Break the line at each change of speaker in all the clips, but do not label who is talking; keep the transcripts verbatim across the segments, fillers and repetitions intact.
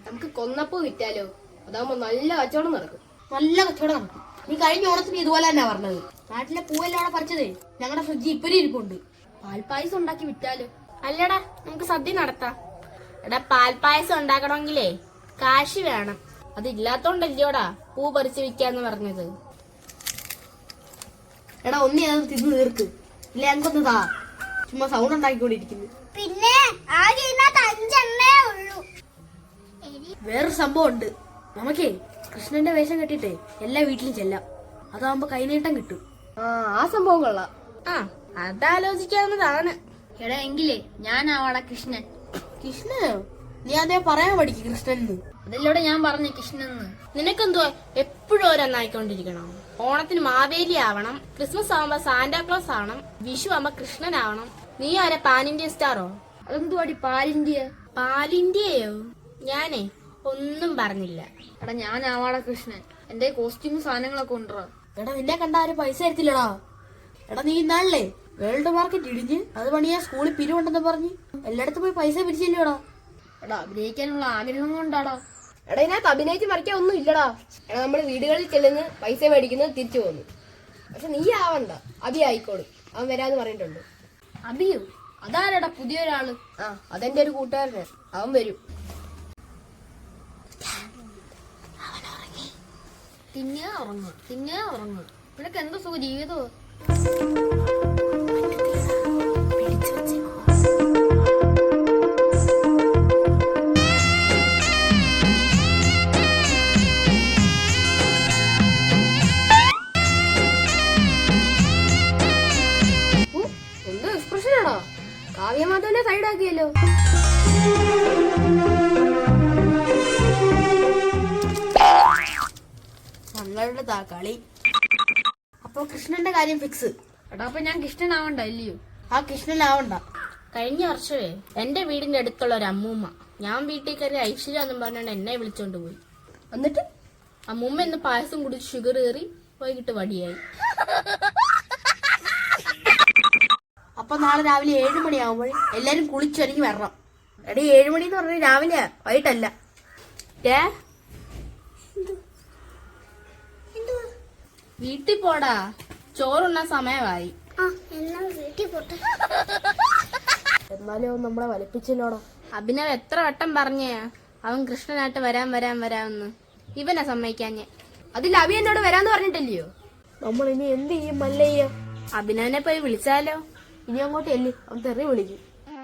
നമുക്ക് കൊന്നപ്പൂ വിറ്റാലോ? അതാകുമ്പോ നല്ല കച്ചവടം നടക്കും.
നല്ല കച്ചവടം നടക്കും. നീ കഴിഞ്ഞ ഓണത്തിന് ഇതുപോലെ തന്നെ പറഞ്ഞത്. നാട്ടിലെ പൂവെല്ലാം അവിടെ പറിച്ചതേ ഞങ്ങളുടെ ഫ്രിഡ്ജ് ഇപ്പരി ഇരിപ്പുണ്ട്.
പാൽപ്പായസം ഉണ്ടാക്കി വിറ്റാലോ?
അല്ലടാ, നമുക്ക് സദ്യ നടത്താം. എടാ, പാൽപ്പായസം ഉണ്ടാക്കണമെങ്കിലേ കാശ് വേണം. അതില്ലാത്തോണ്ടല്ലോടാ പൂ പറിച്ച് വിൽക്കാന്ന് പറഞ്ഞത്.
എടാ, ഒന്നി അത് തിന്ന് തീർക്ക്. ഇല്ല ഞങ്ങൾക്കൊന്ന് താ. ചുമ്മാ സൗണ്ട് ഉണ്ടാക്കിക്കൊണ്ടിരിക്കുന്നു.
പിന്നെ ആകെ ഇതിനകത്ത് അഞ്ചെണ്ണേ ഉള്ളൂ.
വേറൊരു സംഭവം ഉണ്ട്. നമുക്കേ കൃഷ്ണന്റെ വേഷം കെട്ടിട്ടേ എല്ലാ വീട്ടിലും ചെല്ലാം. അതാവുമ്പോ കൈനീട്ടം കിട്ടും.
ആ ആ സംഭവം കൊള്ളാം.
ആ, അതാലോചിക്കാവുന്നതാണ്.
എടാ, എങ്കിലേ ഞാനാവാടാ കൃഷ്ണൻ.
കൃഷ്ണനോ? നീ അതേ പറയാൻ പഠിക്കും കൃഷ്ണൻ.
അതല്ലോടെ ഞാൻ പറഞ്ഞ കൃഷ്ണന്ന്.
നിനക്കെന്തുവാ എപ്പോഴും ഓരോന്നായിക്കൊണ്ടിരിക്കണം? ഓണത്തിന് മാവേലി ആവണം, ക്രിസ്മസ് ആവുമ്പോ സാന്റാക്ലോസ് ആവണം, വിഷു ആവുമ്പോ കൃഷ്ണനാവണം. നീ ആരാ, പാൻ ഇന്ത്യൻ സ്റ്റാറോ?
അതെന്തുവാടി പാലിന്ത്യ?
പാലിന്ത്യയോ? ഞാനേ ഒന്നും പറഞ്ഞില്ല.
എടാ, ഞാനാവാടാ കൃഷ്ണൻ. എന്റെ കോസ്റ്റ്യൂം സാധനങ്ങളൊക്കെ ഉണ്ടോ?
എടാ, നിന്നെ കണ്ട ആരും പൈസ തരത്തില്ലടാ. എടാ, നീ ഇന്നാളല്ലേ വേൾഡ് മാർക്കറ്റ് ഇടിഞ്ഞ് അത് പണിയാ സ്കൂളിൽ പിരിവുണ്ടെന്ന് പറഞ്ഞ് എല്ലായിടത്തും പോയി പൈസ പിരിച്ചില്ലടാ.
എടാ, അഭിനയിക്കാനുള്ള ആഗ്രഹം കൊണ്ടാടാ. എടാ, ഇതിനകത്ത് അഭിനയിച്ച് മറിക്കാൻ ഒന്നും ഇല്ലടാ. എടാ, നമ്മള് വീടുകളിൽ ചെല്ലുന്നു, പൈസ മേടിക്കുന്നു, തിരിച്ചു പോന്നു. പക്ഷെ നീ ആവണ്ട, അഭി ആയിക്കോളും. അവൻ വരാന്ന് പറഞ്ഞിട്ടുണ്ട്.
അഭിയോ? അതാരടാ പുതിയൊരാള്?
ആ, അതെന്റെ ഒരു കൂട്ടുകാരന്. അവൻ വരും. തിന്നാ ഉറങ്ങുക, തിന്നാ ഉറങ്ങുക. നിനക്ക് എന്തോ സുഖ ജീവിതമോ? എന്തോ എക്സ്പ്രഷൻ ആണോ? കാവ്യമാധവനെ സൈഡാക്കിയല്ലോ.
ഞങ്ങളുടെ താ കളി. അപ്പൊ കൃഷ്ണന്റെ കാര്യം ഫിക്സ്.
എടാ, അപ്പൊ ഞാൻ കൃഷ്ണനാവണ്ട അല്ലയോ?
ആ കൃഷ്ണനാവണ്ട.
കഴിഞ്ഞ വർഷമേ എന്റെ വീടിന്റെ അടുത്തുള്ള ഒരു അമ്മൂമ്മ ഞാൻ വീട്ടിൽ കയറി ഐശ്വര്യ എന്നും പറഞ്ഞാണ് എന്നെ വിളിച്ചോണ്ട് പോയി.
എന്നിട്ട്
അമ്മൂമ്മ ഇന്ന് പായസം കുടിച്ച് ഷുഗർ കയറി വൈകിട്ട് വടിയായി.
അപ്പൊ നാളെ രാവിലെ ഏഴു മണിയാവുമ്പോൾ എല്ലാരും കുളിച്ചൊരുങ്ങി വരണം. എടീ, ഏഴുമണി എന്ന് പറഞ്ഞാൽ രാവിലെ, വൈകിട്ടല്ല.
ഏ വീട്ടിൽ പോടാ, ചോറുണ്ണ സമയമായി.
ആ, എന്നാ വീട്ടിൽ പോട്ടെ.
എന്നാലും അവൻ നമ്മളെ വലിപ്പിച്ചല്ലോടാ.
അഭിനവ് എത്ര വട്ടം പറഞ്ഞേ അവൻ കൃഷ്ണനായിട്ട് വരാൻ വരാൻ വരാമെന്ന്. ഇവനെ സമ്മതിക്കാഞ്ഞേ.
അതിൽ അഭി എന്നോട് വരാന്ന് പറഞ്ഞിട്ടല്ലയോ?
നമ്മൾ ഇനി എന്ത് ചെയ്യും മല്ലയ്യ?
അഭിനവനെ പോയി വിളിച്ചാലോ?
ഇനി അങ്ങോട്ട് എല്ലേ, അവൻ തെറി വിളിക്കും.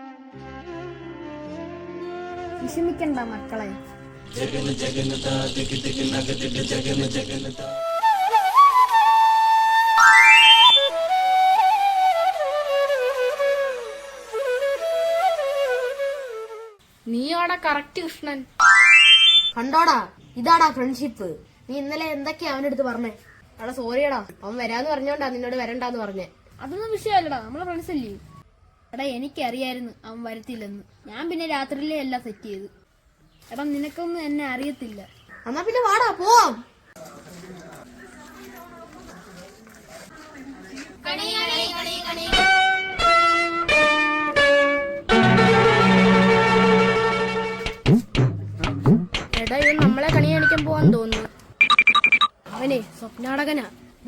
വിഷമിക്കണ്ട മക്കളെ.
നീയോടെ കറക്റ്റ് കൃഷ്ണൻ.
കണ്ടോടാ, ഇതാടാ ഫ്രണ്ട്ഷിപ്പ്. നീ ഇന്നലെ എന്തൊക്കെയാ അവന്റെ അടുത്ത് പറഞ്ഞേ?
എടാ, സോറിയടാ, അവൻ വരാന്ന് പറഞ്ഞോണ്ടാ നിന്നോട് വരണ്ടാന്ന് പറഞ്ഞേ. അതൊന്നും വിഷയമല്ലടാ, നമ്മളെ ഫ്രണ്ട്സ് അല്ലേ. എടാ, എനിക്കറിയായിരുന്നു അവൻ വരത്തില്ലെന്ന്. ഞാൻ പിന്നെ രാത്രിയിലെ എല്ലാം സെറ്റ് ചെയ്തു. എടാ, നിനക്കൊന്നും എന്നെ അറിയത്തില്ല.
എന്നാ പിന്നെ വാടാ, പോവാം.
എടാ, ഇവൻ നമ്മളെ കണി കാണിക്കാൻ പോവാൻ തോന്നുന്നു.
അവനെ സ്വപ്നാടകനാ.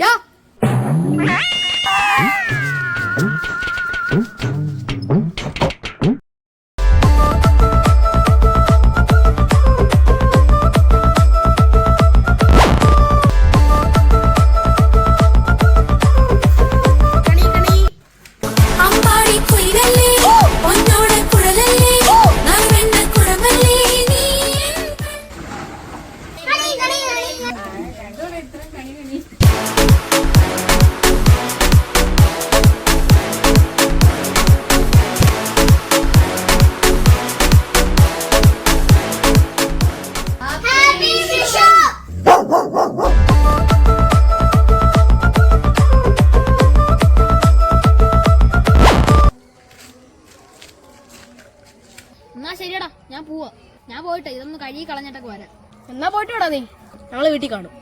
എന്നാ ശരിയടാ, ഞാൻ പോവാ. ഞാൻ പോയിട്ട് ഇതൊന്ന് കഴുകി കളഞ്ഞിട്ടൊക്കെ വരാം.
എന്നാ പോയിട്ട് വിടാ നീ. ഞങ്ങള് വീട്ടിൽ കാണും.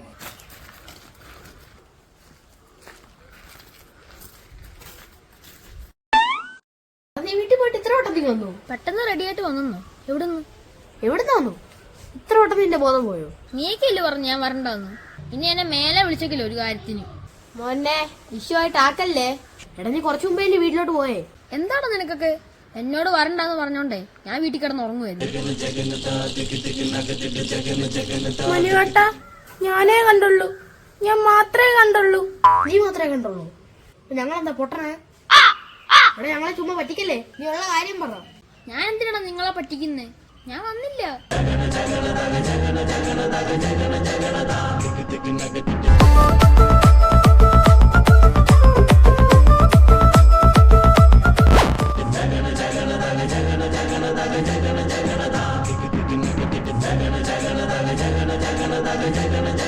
നീ വീട്ടിൽ പോയിട്ട് ഇത്ര വട്ടത്തിൽ വന്നു?
പെട്ടെന്ന് റെഡി ആയിട്ട് വന്നു. എവിടുന്ന്?
എവിടുന്ന് വന്നു? ഇത്ര വട്ടം നിന്റെ ബോധം പോയോ?
നീക്കല്ലേ പറഞ്ഞു ഞാൻ വരണ്ടെന്ന്. ഇനി എന്നെ മേലെ വിളിച്ചേക്കില്ല ഒരു കാര്യത്തിന്.
മോനെ ഇഷ്യൂ ആയിട്ട് ആക്കല്ലേ.
എടാ നീ കുറച്ചു മുമ്പേ എന്റെ വീട്ടിലോട്ട് പോയേ.
എന്താണ് നിനക്കൊക്കെ? എന്നോട് വരണ്ടെന്ന് പറഞ്ഞോണ്ടേ ഞാൻ വീട്ടിൽ കിടന്ന് ഉറങ്ങുമായിരുന്നു.
മനുവേട്ട ഞാനേ കണ്ടുള്ളൂ, ഞാൻ മാത്രമേ കണ്ടുള്ളൂ.
നീ മാത്രമേ കണ്ടുള്ളൂ. ഞങ്ങളെന്താ പൊട്ടണേ? എടാ ഞങ്ങളെ ചുമ്മാ പറ്റിക്കല്ലേ, നീ ഉള്ള കാര്യം പറ.
ഞാൻ എന്തിനാണ് നിങ്ങളെ പറ്റിക്കുന്നേ? ഞാൻ വന്നില്ല.
Jagana